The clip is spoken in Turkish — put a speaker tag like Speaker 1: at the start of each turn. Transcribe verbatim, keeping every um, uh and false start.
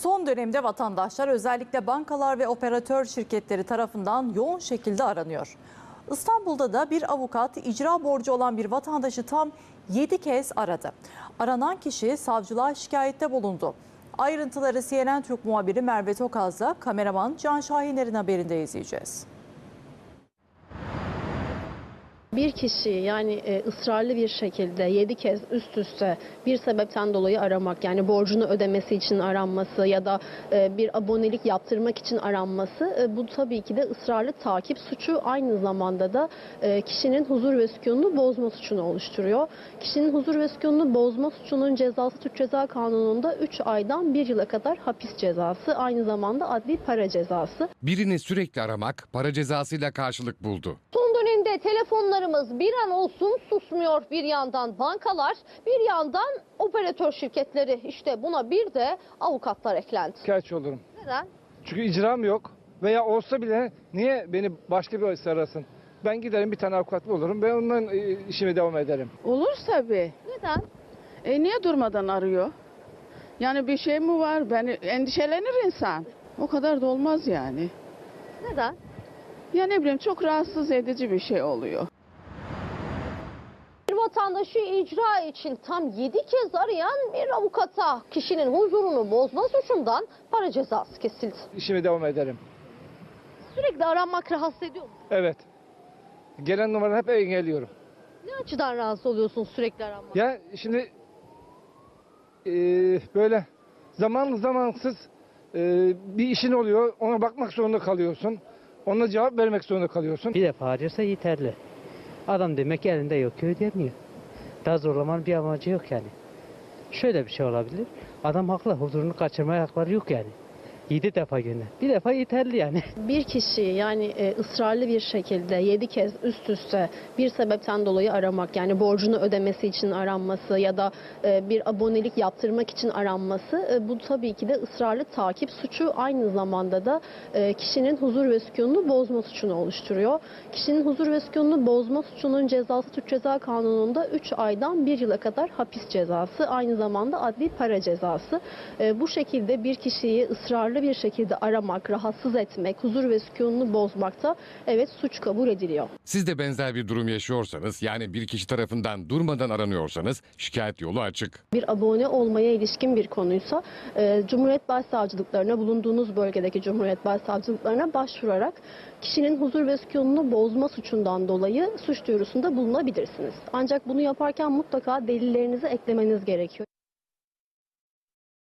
Speaker 1: Son dönemde vatandaşlar özellikle bankalar ve operatör şirketleri tarafından yoğun şekilde aranıyor. İstanbul'da da bir avukat icra borcu olan bir vatandaşı tam yedi kez aradı. Aranan kişi savcılığa şikayette bulundu. Ayrıntıları C N N Türk muhabiri Merve Tokaz'la kameraman Can Şahiner'in haberinde izleyeceğiz.
Speaker 2: Bir kişi yani e, ısrarlı bir şekilde yedi kez üst üste bir sebepten dolayı aramak, yani borcunu ödemesi için aranması ya da e, bir abonelik yaptırmak için aranması, e, bu tabii ki de ısrarlı takip suçu, aynı zamanda da e, kişinin huzur ve sükununu bozma suçunu oluşturuyor. Kişinin huzur ve sükununu bozma suçunun cezası Türk Ceza Kanunu'nda üç aydan bir yıla kadar hapis cezası, aynı zamanda adli para cezası.
Speaker 3: Birini sürekli aramak para cezasıyla karşılık buldu.
Speaker 4: Son dönemde telefonlarımız bir an olsun susmuyor. Bir yandan bankalar, bir yandan operatör şirketleri. İşte buna bir de avukatlar eklendi.
Speaker 5: Şikayetçi olurum.
Speaker 4: Neden?
Speaker 5: Çünkü icram yok veya olsa bile niye beni başka bir arasın? Ben giderim, bir tane avukat bulurum. Ben ondan e, işime devam ederim.
Speaker 6: Olur tabii.
Speaker 4: Neden?
Speaker 6: E niye durmadan arıyor? Yani bir şey mi var? Beni endişelenir insan. O kadar da olmaz yani.
Speaker 4: Neden?
Speaker 6: Ya ne bileyim, çok rahatsız edici bir şey oluyor.
Speaker 4: Bir vatandaşı icra için tam yedi kez arayan bir avukata kişinin huzurunu bozma suçundan para cezası kesildi.
Speaker 5: İşime devam ederim.
Speaker 4: Sürekli aranmak rahatsız ediyor mu?
Speaker 5: Evet. Gelen numaraları hep engelliyorum.
Speaker 4: Ne açıdan rahatsız oluyorsun sürekli aranmak?
Speaker 5: Ya şimdi e, böyle zamanlı zamansız e, bir işin oluyor. Ona bakmak zorunda kalıyorsun. Ona cevap vermek zorunda kalıyorsun.
Speaker 7: Bir defa arıyorsa yeterli. Adam demek ki elinde yok ki ödeyemiyor. Daha zorlamanın bir amacı yok yani. Şöyle bir şey olabilir. Adam haklı, huzurunu kaçırmaya hakları yok yani. Yedi defa gönder. Bir defa yeterli yani.
Speaker 2: Bir kişi yani e, ısrarlı bir şekilde yedi kez üst üste bir sebepten dolayı aramak, yani borcunu ödemesi için aranması ya da e, bir abonelik yaptırmak için aranması, e, bu tabii ki de ısrarlı takip suçu, aynı zamanda da e, kişinin huzur ve sükununu bozma suçunu oluşturuyor. Kişinin huzur ve sükununu bozma suçunun cezası Türk Ceza Kanunu'nda üç aydan bir yıla kadar hapis cezası, aynı zamanda adli para cezası. E, bu şekilde bir kişiyi ısrarlı bir şekilde aramak, rahatsız etmek, huzur ve sükununu bozmakta evet suç kabul ediliyor.
Speaker 3: Siz de benzer bir durum yaşıyorsanız, yani bir kişi tarafından durmadan aranıyorsanız şikayet yolu açık.
Speaker 2: Bir abone olmaya ilişkin bir konuysa e, Cumhuriyet Başsavcılıklarına, bulunduğunuz bölgedeki Cumhuriyet Başsavcılıklarına başvurarak kişinin huzur ve sükununu bozma suçundan dolayı suç duyurusunda bulunabilirsiniz. Ancak bunu yaparken mutlaka delillerinizi eklemeniz gerekiyor.